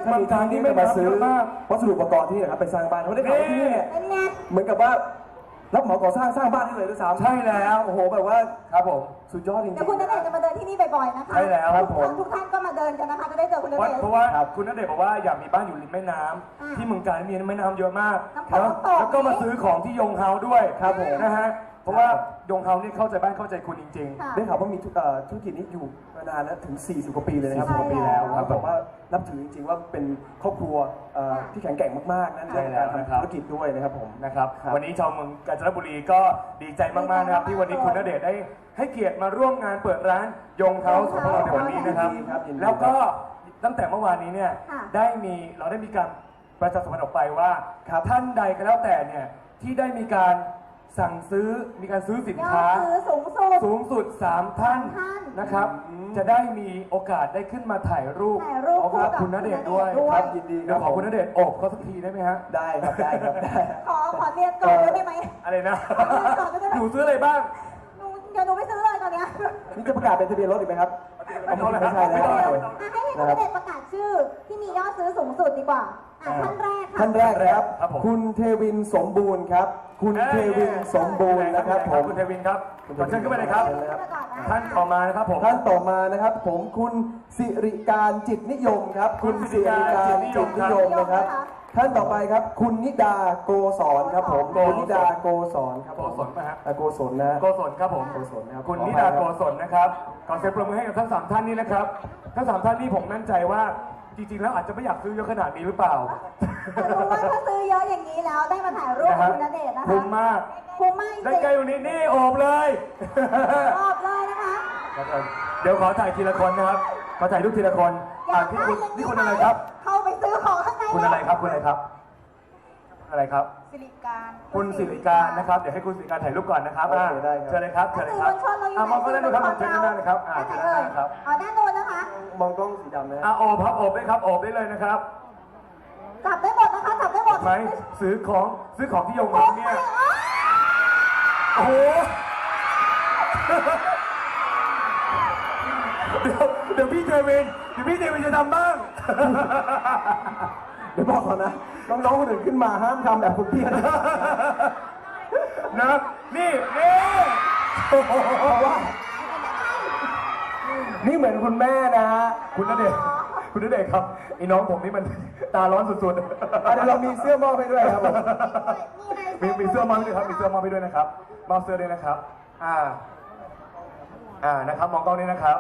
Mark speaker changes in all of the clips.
Speaker 1: ถ้ามีทางนี้ไม่มาซื้อวัสดุอุปกรณ์ที่นะครับไปสร้างบ้านเขาได้ข่าวว่าที่นี่เนี่ยเหมือนกับว่ารับเหมาก่อสร้างบ้านได้เลยด้วยซ้ำใช่แล้วโอ้โหแบบว่าครับผมสุดยอดจริงๆ
Speaker 2: เดี๋ยวคุณณเดชน์จะมาเดินที่นี่บ่อยๆนะคะ
Speaker 1: ใช่แล้วครับผม
Speaker 2: ทุกท่านก็มาเดินกันนะคะจะได้เจอคุณณเดชน์
Speaker 3: เพราะว่าคุณณเดชน์บอกว่าอยากมีบ้านอยู่ริมแม่น้ำที่เมืองกาญมีแม่น้ำเยอะมากแล้วก็มาซื้อของที่ยงเฮาด้วยครับผมนะฮะเพราะว่ายงเฮานี่เข้าใจบ้านเข้าใจคุณจริงๆ
Speaker 1: ได้ข่าวว่ามีธุรกิจนี้อยู่มานานแล้วถึง40 กว่าปีเลยนะครับ
Speaker 3: 40 กว่าปีแล้วครับ
Speaker 1: แบบว่านับถือจริงๆว่าเป็นครอบครัวที่แข็งแกร่งมากๆนั่นในการทำธุรกิจด้วยนะครับผม
Speaker 3: นะครับวันนี้ชาวเมืองกาญจนบุรีก็ดีใจมากๆนะครับที่วันนี้คุณณเดชน์ได้ให้เกียรติมาร่วมงานเปิดร้านยงเฮาของเราในวันนี้นะครับแล้วก็ตั้งแต่เมื่อวานนี้เนี่ยเราได้มีการประชาสัมพันธ์ออกไปว่าท่านใดก็แล้วแต่เนี่ยที่ได้มีการสั่งซื้อมีการซื้อสินค้าสูงสุด3 ท่านนะครับจะได้มีโอกาสได้ขึ้นมาถ่ายรูปกับคุณณเดชน์ด้วย
Speaker 1: ครับยินดีครับ
Speaker 3: ขอคุณณเดชน์โอบเขาสักทีได้ไหมฮะ
Speaker 1: ได้ครับได้ครับได้
Speaker 2: ขอเรียนก่อนได้ไหม
Speaker 3: อะไรนะหนูซื้ออะไรบ้าง
Speaker 2: เดี๋ยวหนูไปซื้อเลยตอนนี้
Speaker 1: นี่จะประกาศเป็นทะเบียนรถอีกไหมครับ
Speaker 3: ไม่ใช่แล้ว
Speaker 2: ให้คุณณเดชน์ประกาศชื่อที่มียอดซื้อสูงสุดดีกว่าท่านแรก
Speaker 1: ครับคุณเทวินสมบูรณ์ครับคุณเทวินสมบูรณ์นะครับผม
Speaker 3: คุณเทวินครับขอเชิญขึ้นไปเลยครับท่านต่อมานะครับผม
Speaker 1: ท่านต่อมานะครับผมคุณสิริการจิตนิยมครับคุณสิริการจิตนิยมนะครับท่านต่อไปครับคุณนิดาโกศรครับผมคุณนิดาโกศรครับ
Speaker 3: โกศลป่ะฮะ
Speaker 1: โกศลนะ
Speaker 3: โกศลครับผม
Speaker 1: โกศลนะครับ
Speaker 3: คุณนิดาโกศลนะครับขอเสียงปรบมือให้กับทั้ง3 ท่านนี้นะครับทั้ง3 ท่านนี้ผมมั่นใจว่าจริงๆแล้วอาจจะไม่อยากซื้อเยอะขนาดนี้หรือเปล่า
Speaker 2: แต่รู้ว่าถ้าซื้อเยอะอย่างนี้แล้วได้มาถ่ายรูปคุณณเดชน์นะคะ
Speaker 3: คุ้มมากได้ใกล้อยู่นี่โอบเลย
Speaker 2: นะคะ
Speaker 3: เดี๋ยวขอถ่ายทีละคนนะครับขอถ่ายรูปทีละคนนี่คุณอะไรครับ
Speaker 2: เข้าไปซื้อของข้างใน
Speaker 3: คุณอะไรครับคุณอะไรครับอะไรครับ
Speaker 2: สิริการ
Speaker 3: คุณสิริการนะครับเดี๋ยวให้คุณสิริการถ่ายรูปก่อนนะครับเชิญเลยครับเชิญเลยครับมองก็ได้นะครับเชิญได้เลยครับเชิญได้ครับ
Speaker 2: ด้านโน้นนะคะ
Speaker 1: มองกล้องสีดำนะ
Speaker 3: โอบครับโอบได้ครับโอบได้เลยนะครับ
Speaker 2: จับได้หมดนะคะจับได้หมด
Speaker 3: ไหมซื้อของที่ยงเฮาเนี่ยโอ้โหเดี๋ยวพี่เทวินจะทำบ้าง
Speaker 1: เดี๋ยวบอกก่อนนะน้องๆคนอื่นขึ้นมาห้ามทำแบบคุณพี่นะ
Speaker 3: นี่
Speaker 1: ว่านี่เหมือนคุณแม่นะฮะ
Speaker 3: คุณณเดชน์ครับไอ้น้องผมนี่มันตาร้อนสุดๆเ
Speaker 1: ดี๋ยวเรามีเสื้อมอบไปด้วยครับ
Speaker 3: มีเสื้อมอบด้วยครับมีเสื้อมอบไปด้วยนะครับมอบเสื้อด้วยนะครับนะครับมองกล้องนี้นะครับ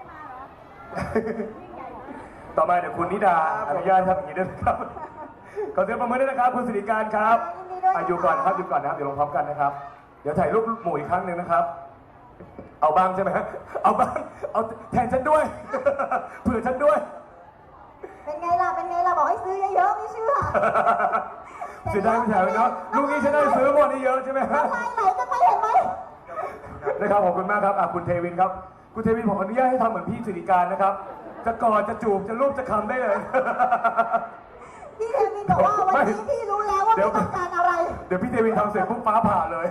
Speaker 3: ต่อมาเดี๋ยวคุณนิดาอนุญาตครับอย่างนี้ด้วยครับขอเสียงปรบมือด้วยนะครับคุณสิริการครับอยู่ก่อนนะครับเดี๋ยวลงพร้อมกันนะครับเดี๋ยวถ่ายรูปหมู่อีกครั้งหนึ่งนะครับเอาบ้างใช่ไหมเอาบ้างเอาแทนฉันด้วยเผื่อฉันด้วย
Speaker 2: เป็นไงล่ะบอกให้ซื้อเยอะๆไม่เชื่อ
Speaker 3: เสียดายไม่ใช่เนาะลูกนี้ฉันได้ซื้อหมดนี่เยอะใช่ไหมครับ
Speaker 2: ไหลจะไปเห็นไหม
Speaker 3: นะครับขอบคุณมากครับคุณเทวินครับคุณเทวินผมอนุญาตให้ทำเหมือนพี่สิริการนะครับจะกอดจะจูบจะรูปจะคำได้เลย
Speaker 2: พี่เทวินบอกว่าวันนี้พี่รู้แล้วว่าพี่ต้องการอะไร
Speaker 3: เดี๋ยวพี่เทวินทำเสร็จปุ๊บฟ้าผ่าเลย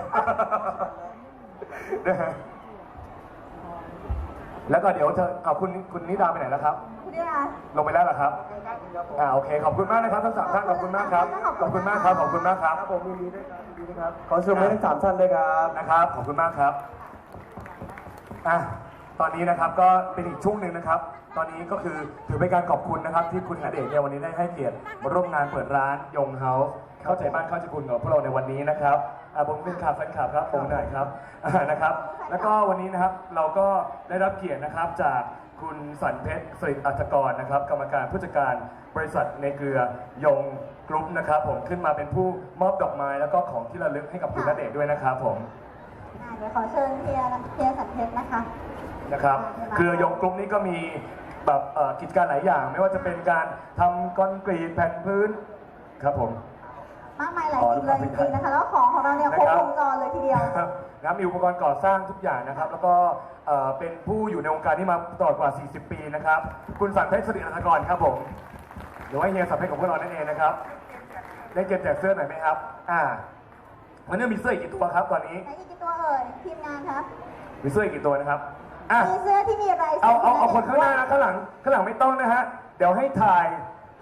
Speaker 3: นะฮะแล้วก็เดี๋ยวเอาคุณนิดาไปไหนแล้วครับลงไปแล้วเหรอครับโอเคขอบคุณมากนะครับทั้ง3 ท่านขอบคุณมากครับขอบคุณมากครับผมยินดีด้วยครับ
Speaker 1: ขอเชิญทั้ง3 ท่านด้วยครับ
Speaker 3: นะครับขอบคุณมากครับตอนนี้นะครับก็เป็นอีกช่วงหนึ่งนะครับตอนนี้ก็คือถือเป็นการขอบคุณนะครับที่คุณณเดชน์เนี่ยวันนี้ได้ให้เกียรติมาร่วมงานเปิดร้านยงเฮาเข้าใจบ้านเข้าใจคุณกับพวกเราในวันนี้นะครับผมเป็นแฟนคลับครับผมหน่อยครับนะครับแล้วก็วันนี้นะครับเราก็ได้รับเกียรตินะครับจากคุณสันเพชรสิริอัฐกรนะครับกรรมการผู้จัดการบริษัทในเครือยงกรุ๊ปนะครับผมขึ้นมาเป็นผู้มอบดอกไม้แล้วก็ของที่ระลึกให้กับคุณณเดชน์ด้วยนะครับผม
Speaker 2: เดี๋ยวขอเชิญเพียสันเพชรนะคะ
Speaker 3: เครือยงกรุ๊ปนี้ก็มีแบบกิจการหลายอย่างไม่ว่าจะเป็นการทำคอนกรีตแผ่นพื้นครับผม
Speaker 2: มากมายหลายสิ่งเลยจริงๆนะคะแล้วของเราเนี่ยครบวงจรเลยทีเดียว
Speaker 3: มีอุปกรณ์ก่อสร้างทุกอย่างนะครับแล้วก็เป็นผู้อยู่ในวงการนี้มาตลอดกว่า40 ปีนะครับคุณสันเพชรสิริอัฐกรครับผมหรือว่าเฮียสันเพชรของพวกเรานั่นเองนะครับได้เก็บแจกเสื้อหน่อยไหมครับวันนี้มีเสื้ออีกกี่ตัวครับตอนนี้
Speaker 2: อีกกี่ตัวเอ่ยทีมงานครับ
Speaker 3: มีเสื้ออีกกี่ตัวนะครับ
Speaker 2: มีเสื้อที่มีลาย
Speaker 3: เอาคนข้างหน้านะข้างหลังไม่ต้องนะฮะเดี๋ยวให้ถ่าย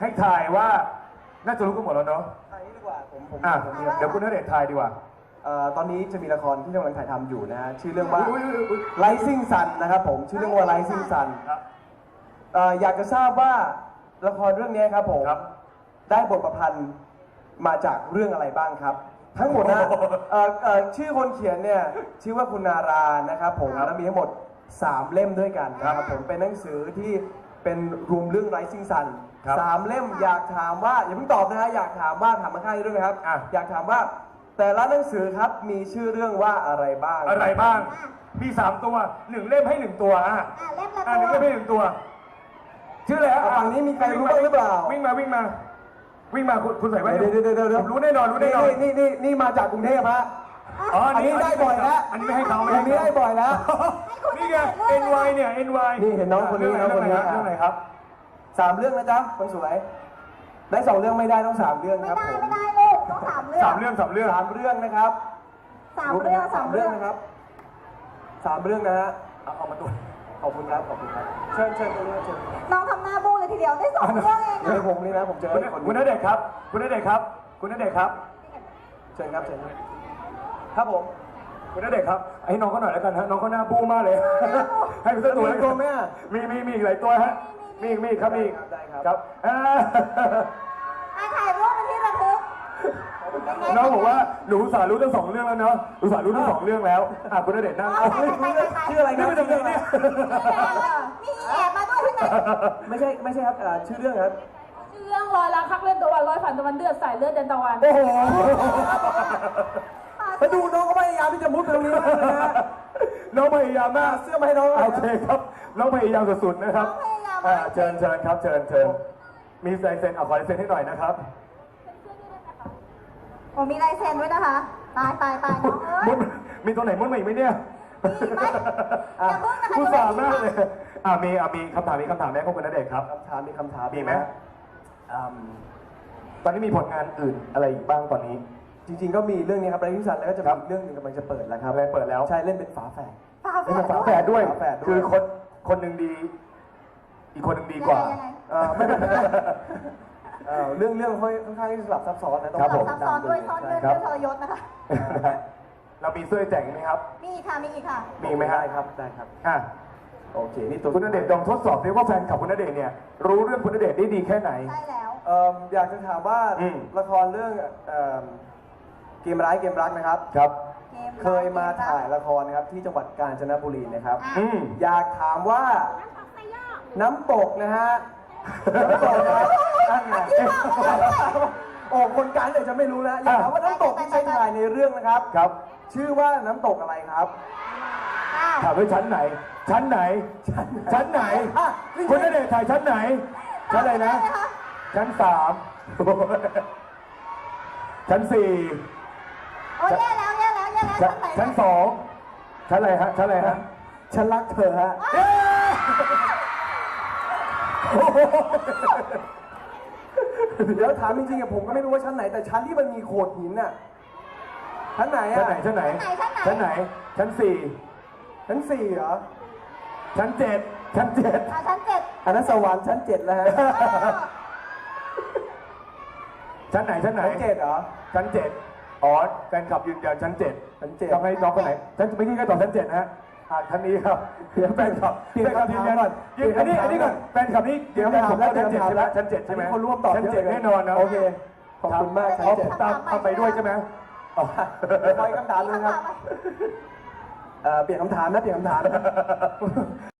Speaker 3: ให้ถ่ายว่าน่าจะรู้กันหมดแล้วเนาะ
Speaker 1: อันนี้ดีกว่าผม
Speaker 3: อ่ะเดี๋ยวคุณณเดชน์ถ่ายดีกว่า
Speaker 1: ตอนนี้จะมีละครที่กำลังถ่ายทำอยู่นะฮะชื่อเรื่องว่า
Speaker 3: อุ๊ย
Speaker 1: Rising Sun นะครับผมชื่อเรื่องว่า Rising Sun
Speaker 3: ครับ
Speaker 1: อยากจะทราบว่าละครเรื่องนี้ครับผม
Speaker 3: ครับ
Speaker 1: ได้บทประพันธ์มาจากเรื่องอะไรบ้างครับ ทั้งหมดนะชื่อคนเขียนเนี่ยชื่อว่าคุณนารานะครับผม
Speaker 3: ครับ
Speaker 1: แล้วมีทั้งหมด 3 เล่มด้วยกันนะครับผมเป็นหนังสือที่เป็นรวมเรื่อง Rising Sun
Speaker 3: ครับ
Speaker 1: 3 เล่มอยากถามว่าอย่าเพิ่งตอบนะฮะอยากถามว่าถามมาข้างนี้ด้วยนะครับ
Speaker 3: อ่ะ
Speaker 1: อยากถามว่าแต่ละหนังสือครับมีชื่อเรื่องว่าอะไรบ้าง
Speaker 3: อะไรบ้าง มี 3 ตัว1เล่มให้ 1 ตัวอ่ะ
Speaker 2: เล่มละ
Speaker 3: อ่ะ
Speaker 2: ตัว
Speaker 3: 1เล่มให้ 1 ตัว ชื่ออะไรอ่ะ
Speaker 1: ฝั่งนี้มีใครรู้บ้างหรือเปล่า
Speaker 3: วิ่งมาคุณใส่แว่น
Speaker 1: เดี๋ยว
Speaker 3: ผมรู้แน่นอนรู้แน่นอน
Speaker 1: นี่มาจากกรุงเทพฮะ
Speaker 3: อ๋อ
Speaker 1: อันนี้ได้บ่อยแล้ว
Speaker 3: อันนี้ไม่ให้เขา
Speaker 1: อันนี้ได้บ่อยแล้ว
Speaker 3: นี่ไง NY เนี่ย NY
Speaker 1: นี่เห็นน้องคนนี้น้องคนนี้
Speaker 3: เรื่องไหนครับ
Speaker 1: 3 เรื่องนะจ๊ะคนสวย ได้ 2 เรื่องไม่ได้ต้อง 3 เรื่อง
Speaker 2: ไม่
Speaker 1: ครับ
Speaker 2: ได้
Speaker 1: ผม
Speaker 2: ไม่ได้ลูกต้องสามเรื่อง
Speaker 3: 3 เรื่อง 3 เรื่อง
Speaker 1: 3 เรื่องนะครับ
Speaker 2: สามเรื่องสามเรื่อง
Speaker 1: นะครับ 3 เรื่องนะฮะ
Speaker 3: เอามาตัว
Speaker 1: ขอบคุณครับขอบคุณครับเชิญตรงนี้เชิญ
Speaker 2: น้องทำหน้าบูเลยทีเดียวได้2เรื่องเอง
Speaker 1: เดี๋ยว
Speaker 2: อะ
Speaker 1: ผมนี่นะผมเจอคน
Speaker 3: คุณณเดชน์ครับ คุณณเดชน์ครับ คุณณเดชน์ครับ
Speaker 1: เชิญครับครับผม
Speaker 3: คุณณเดชน์ครับให้น้องเขาหน่อยแล้วกันฮะน้องเขาหน้าบู้มากเลย ให้เป็นตัว
Speaker 1: มีตัวไหมอ่ะ
Speaker 3: มีอีกหลายตัวฮะมีอีกครับมีอีก
Speaker 1: ได้ครับ
Speaker 3: ครับอ่า
Speaker 2: ถ่ายรูปเป็นที่ระลึก
Speaker 3: น้องบอกว่าหนูอุตสาห์รู้ทั้ง 2 เรื่องแล้วเนาะอุตส่าห์รู้ทั้ง 2 เรื่องแล้วอ่ะคุณณเดชน์นั่ง
Speaker 1: ชื่ออะไรครับ
Speaker 3: นี่เป็นยังไงเนี่ย
Speaker 2: มีแอบมาด้วยข้างใน
Speaker 1: ไม่ใช่ครับชื่อเรื่องครับ
Speaker 4: ชื่อเรื่องร้อยล้านคักเล่นตะวันร้อยผ่านตะวันเดือดสายเลือดเดนตะวัน
Speaker 1: โอ้โหมาดูน้องก็พยายามที่จะมุดไปตรงนี้มากเลยนะ
Speaker 3: น้องพยายามมาก
Speaker 1: เสื้อมาให้น้องหน่อย
Speaker 3: โอเคครับน้องพยายามสุดๆนะครับเชิญครับเชิญมีลายเซ็นเอาขอลายเซ็นให้หน่อยนะครับ
Speaker 2: โอ้มีลายเซ็นด้วยนะคะ ตายน้องเอ้ย
Speaker 3: มุดมีตัวไหนมุดมาอีกไหมเนี่ย
Speaker 2: มีไหมอย่าเพิ่งนะคะ
Speaker 3: ผู้สามากเลยมีคำถามไหมครับคุณณเดชน์ครับ
Speaker 1: มีคำถาม
Speaker 3: มีไหมตอนนี้มีผลงานอื่นอะไรอีกบ้างตอนนี้
Speaker 1: จริงๆก็มีเรื่องนี้ครับไรทิสันแล้วก็จะมีอีกเรื่องหนึงกำลังจะเปิดแล้วครับ
Speaker 3: อะไรเปิดแล้ว
Speaker 1: ใช่เล่นเป็นฝาแฝด
Speaker 2: ฝาแฝ
Speaker 3: เป็น
Speaker 2: ด
Speaker 3: ฝาแฝดด้วย
Speaker 1: ฝาแฝดด้วย
Speaker 3: คือคนหนึ่งดี อีกคนหนึ่งดีกว่า
Speaker 2: ยังไง
Speaker 1: ไม่เรื่องค่อนข้างที่สลับซับซ้อนนะต้อง
Speaker 3: ครับผม
Speaker 2: ซับซ้อนด้วยซ่อนเงื่อนด้วยทรยศนะคะ
Speaker 3: เรามีเสื้อแจกไหมครับ
Speaker 2: มีอีกค่ะ มีอีกค่ะ
Speaker 3: มีไหมฮะ
Speaker 1: ได้ครับได้ครับ
Speaker 3: อ่ะ
Speaker 1: โอเคนี่ตัว
Speaker 3: คุณณเดชน์ลองทดสอบดิว่าแฟนคลับคุณณเดชน์เนี่ยรู้เรื่องคุณณเดชน์ได้ดีแค่ไหน
Speaker 2: ใช่แล้ว
Speaker 1: อยากจะถามว่า
Speaker 3: อืม
Speaker 1: ละครเรื่องเกมร้ายเกมรักนะครับ
Speaker 3: ครับ
Speaker 1: เคยมาถ่ายละครนะครับที่จังหวัดกาญจนบุรีนะครับ
Speaker 3: อืม
Speaker 1: อยากถามว่าน้ำตกนะฮะน้ำตกนะครับนั่นไงโอ้คนกลางเดี๋ยวจะไม่รู้แล้วอยากถามว่าน้ำตกที่ใช้ถ่ายในเรื่องนะครับ
Speaker 3: ครับ
Speaker 1: ชื่อว่าน้ำตกอะไรครับ
Speaker 3: ถามด้วยชั้นไหน ชั้นไหน ชั้นไหน
Speaker 1: อ่ะ
Speaker 3: คุณณเดชน์ถ่ายชั้นไหน ชั้นอะไรนะ ชั้น 3 ชั้น 4
Speaker 2: โอ้ยแย่แล้วชั้นไหน
Speaker 3: ชั้น 2 ชั้นอะไรฮะ ชั้นอะไรฮะ
Speaker 1: ฉันรักเธอฮะ
Speaker 3: เย้โอ้โห
Speaker 1: เดี๋ยวถามจริงๆอะผมก็ไม่รู้ว่าชั้นไหนแต่ชั้นที่มันมีโขดหินน่ะชั้นไหน
Speaker 3: ชั้น
Speaker 1: อะ
Speaker 3: ไหน ชั้นไหน ชั้นไหน ชั้น
Speaker 1: ชั้นสี่เหรอ
Speaker 3: 4 ชั้น 7 ชั้น
Speaker 2: ชั้นเจ็ด
Speaker 1: อันนั้นสวรรค์ชั้น7แล้วฮะ
Speaker 3: 7 ชั้นไหน ชั้นไหน
Speaker 1: ชั้น7เหรอ
Speaker 3: ชั้น 7 อ๋อแฟนคลับยืนยันชั้น 7
Speaker 1: ชั้น7
Speaker 3: ต้องให้น้องคนไหนชั้นไม่ที่ก็ตอบชั้น 7 นะฮะชั้นนี้ครับแฟนคลับ
Speaker 1: เปลี่ยนคำถามก่อน
Speaker 3: ยืนอันนี้ก่อนแฟนคลับนี่ยืนยันผมแล้วชั้น 7 ใช่ไหมชั้น 7 ใช่ไหม
Speaker 1: คนร่วมตอบ
Speaker 3: ชั้น
Speaker 1: เยอะ
Speaker 3: 7 แน่นอนนะ
Speaker 1: โอเคขอบคุณมากชั้น
Speaker 3: เอา
Speaker 1: เจ็ด
Speaker 3: ผมตามเอาไปด้วยใช่ไหมอ๋อ
Speaker 1: ไปคำถามเลยครับ เปลี่ยนคำถามนะเปลี่ยนคำถามนะ